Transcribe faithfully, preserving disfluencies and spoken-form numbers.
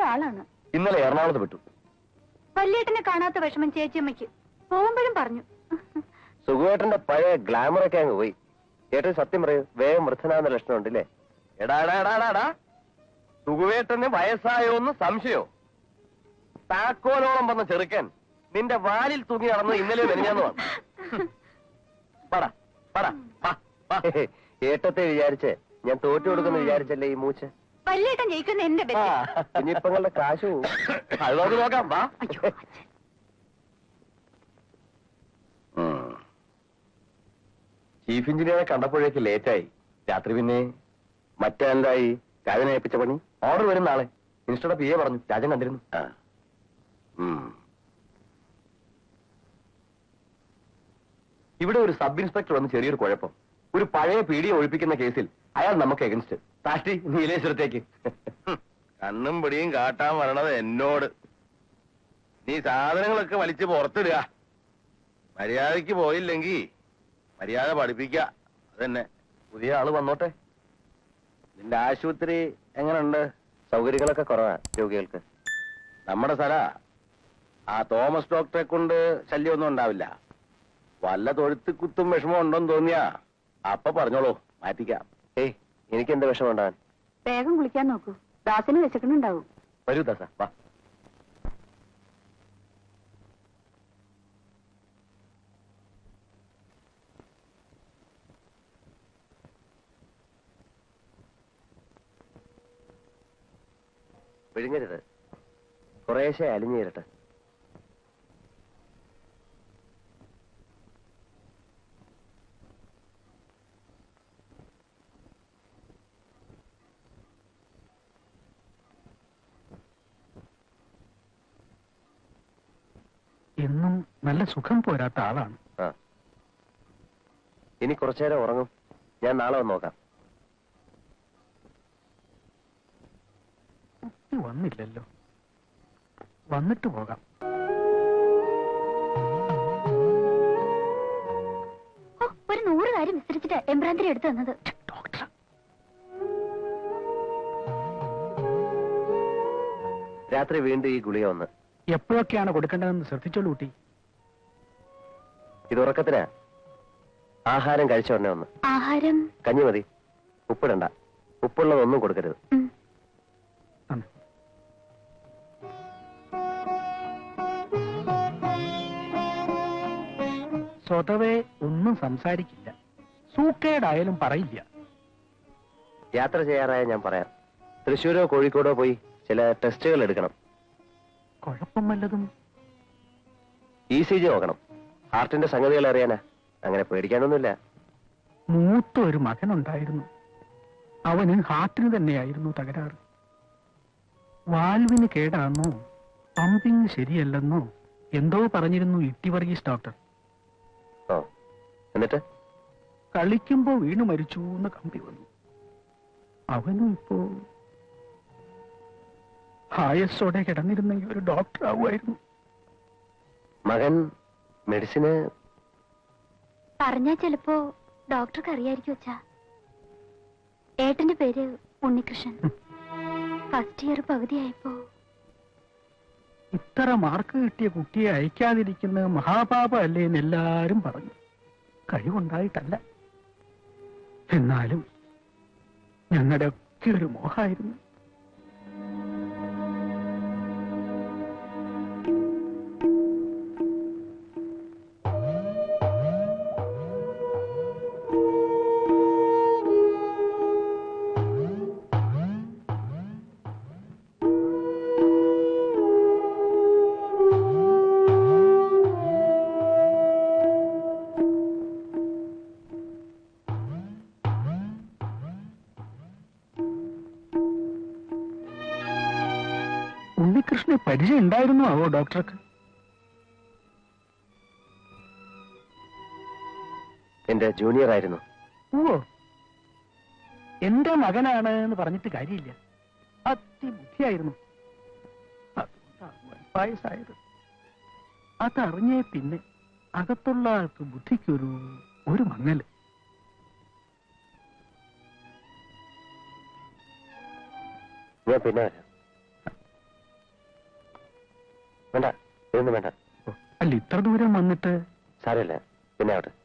ആളാണ്. ഇന്നലെ എറണാകുളത്ത് വിട്ടു. വല്യേട്ടനെ കാണാത്ത വിഷമം ചേച്ചിയമ്മയ്ക്ക് പോകുമ്പോഴും പറഞ്ഞു. സുഖുവേട്ടന്റെ പഴയ ഗ്ലാമറൊക്കെ അങ്ങ് പോയി. ഏട്ടൻ സത്യം പറയൂ, വേഗം വൃദ്ധനാകുന്ന ലക്ഷണം ഉണ്ടല്ലേ? എടാടാടാടാടാ, സുഖുവേട്ടന് വയസ്സായോന്ന് സംശയോ? താക്കോലോളം വന്ന ചെറുക്കൻ നിന്റെ വാലിൽ തൂങ്ങി നടന്ന് ഇന്നലെ മെനഞ്ഞാന്ന് വന്നു. ഏട്ടത്തെ വിചാരിച്ച് ഞാൻ തോറ്റു കൊടുക്കുന്ന വിചാരിച്ചല്ലേ ഈ മൂച്ച്? വല്യേട്ടൻ ജയിക്കുന്ന എന്റെ കുഞ്ഞിപ്പങ്ങളുടെ കാശു അത് നോക്കി നോക്കാം. വാ. ചീഫ് എഞ്ചിനീയറെ കണ്ടപ്പോഴേക്ക് ലേറ്റായി. രാത്രി പിന്നെ മറ്റെന്തായി? രാജനെ ഏൽപ്പിച്ച പണി ഓർഡർ വരും നാളെ. മിനിസ്റ്ററുടെ പി എ പറഞ്ഞു, രാജൻ കണ്ടിരുന്നു. ഇവിടെ ഒരു സബ് ഇൻസ്പെക്ടർ വന്ന് ചെറിയൊരു കുഴപ്പം. ഒരു പഴയ പീഡിയെ ഒഴിപ്പിക്കുന്ന കേസിൽ അയാൾ നമുക്ക് എഗൻസ്റ്റ്. താഷ്ടി നീലേശ്വരത്തേക്ക്. കണ്ണും പിടിയും കാട്ടാൻ വരണത് എന്നോട്. നീ സാധനങ്ങളൊക്കെ വലിച്ചു പുറത്തിടുക. മര്യാദക്ക് പോയില്ലെങ്കിൽ മര്യാദ പഠിപ്പിക്കുക. അതന്നെ. പുതിയ ആള് വന്നോട്ടെ. നിന്റെ ആശുപത്രി എങ്ങനെയുണ്ട്? സൗകര്യങ്ങളൊക്കെ കുറവാ രോഗികൾക്ക്. നമ്മുടെ സ്ഥല ആ തോമസ് ഡോക്ടറെ കൊണ്ട് ശല്യമൊന്നും ഉണ്ടാവില്ല. വല്ല തൊഴുത്ത് കുത്തും വിഷമം ഉണ്ടോന്ന് തോന്നിയാ അപ്പൊ പറഞ്ഞോളൂ, മാറ്റിക്കാം. ഏയ്, എനിക്ക് എന്താ വിഷമം ഉണ്ടാകാൻ? വേഗം കുളിക്കാൻ നോക്കൂ, ദാസിന് വെച്ചക്കുന്നുണ്ടാവും. വരൂ ദാസ, വാ. വിഴുങ്ങരുത്, കുറേശ്ശെ അലിഞ്ഞേരട്ടെ. എന്നും നല്ല സുഖം പോരാത്ത ആളാണ്. ആ, ഇനി കുറച്ചേരം ഉറങ്ങും. ഞാൻ നാളെ വന്ന് നോക്കാം. കുട്ടി വന്നില്ലല്ലോ, വന്നിട്ട് പോകാം. ഒരു നൂറ് കാര്യം വിസ്തരിച്ചിട്ട് എംബ്രാന്തിരി എടുത്തു തന്നത്. ഡോക്ടർ, രാത്രി വീണ്ടും ഈ ഗുളിക വന്ന്. എപ്പോഴൊക്കെയാണ് കൊടുക്കേണ്ടതെന്ന് ശ്രദ്ധിച്ചോളൂ കുട്ടി. ഇത് ഉറക്കത്തിനാ. ആഹാരം കഴിച്ച ഉടനെ ഒന്ന്. ആഹാരം കഞ്ഞി മതി, ഉപ്പിടണ്ട. ഉപ്പുള്ളതൊന്നും കൊടുക്കരുത്. സ്വതവേ ഒന്നും സംസാരിക്കില്ല, സൂക്കേടായാലും പറയില്ല. യാത്ര ചെയ്യാറായ ഞാൻ പറയാം. തൃശ്ശൂരോ കോഴിക്കോടോ പോയി ചില ടെസ്റ്റുകൾ എടുക്കണം. കുഴപ്പം വല്ലതും? ഇ സി ജി നോക്കണം. ഹാർട്ടിന്റെ സംഗതികൾ അറിയാനാ. അങ്ങനെ പേടിക്കാനൊന്നുമില്ല. മൂത്ത ഒരു മകനുണ്ടായിരുന്നു. അവന് ഹാർട്ടിന് തന്നെയായിരുന്നു തകരാറ്. വാൽവിന് കേടാണെന്നോ പമ്പിങ് ശരിയല്ലെന്നോ എന്തോ പറഞ്ഞിരുന്നു ഇട്ടി വർഗീസ് ഡോക്ടർ. ഓ, എന്നിട്ട് കളിക്കുമ്പോ വീണു മരിച്ചു എന്ന് കമ്പി വന്നു. അവനും ഇപ്പോ ആയസോടെ കിടന്നിരുന്നെങ്കിൽ ഒരു ഡോക്ടർ ആവുമായിരുന്നു. മകൻ മെഡിസിന് പറഞ്ഞാ ചിലപ്പോ ഡോക്ടർക്ക് അറിയായിരിക്കും വെച്ചാ. ഏട്ടന്റെ പേര് ഉണ്ണികൃഷ്ണൻ. ഫസ്റ്റ് ഇയർ പകുതിയായപ്പോ ഇത്ര മാർക്ക് കിട്ടിയ കുട്ടിയെ അയക്കാതിരിക്കുന്നത് മഹാപാപം അല്ലേ എന്ന് എല്ലാരും പറഞ്ഞു. കഴിവുണ്ടായിട്ടല്ല, എന്നാലും ഞങ്ങളുടെ ഒക്കെ ഒരു മോഹമായിരുന്നു. ഉണ്ണികൃഷ്ണന് പരിചയം ഉണ്ടായിരുന്നു ആവോ ഡോക്ടർക്ക്? എന്റെ ജൂനിയർ ആയിരുന്നു. ഓ, എന്റെ മകനാണ് എന്ന് പറഞ്ഞിട്ട് കാര്യമില്ല. അതിബുദ്ധിയായിരുന്നു. അതുകൊണ്ടാണ് പായസായത്. അതറിഞ്ഞേ പിന്നെ അകത്തുള്ള ആൾക്ക് ബുദ്ധിക്കൊരു ഒരു മങ്ങല്. ഞാൻ പിന്നെ വരാം. വേണ്ട ഇതൊന്നും വേണ്ട. അല്ല ഇത്ര ദൂരം വന്നിട്ട് സാരമില്ല പിന്നെ ആവട്ടെ.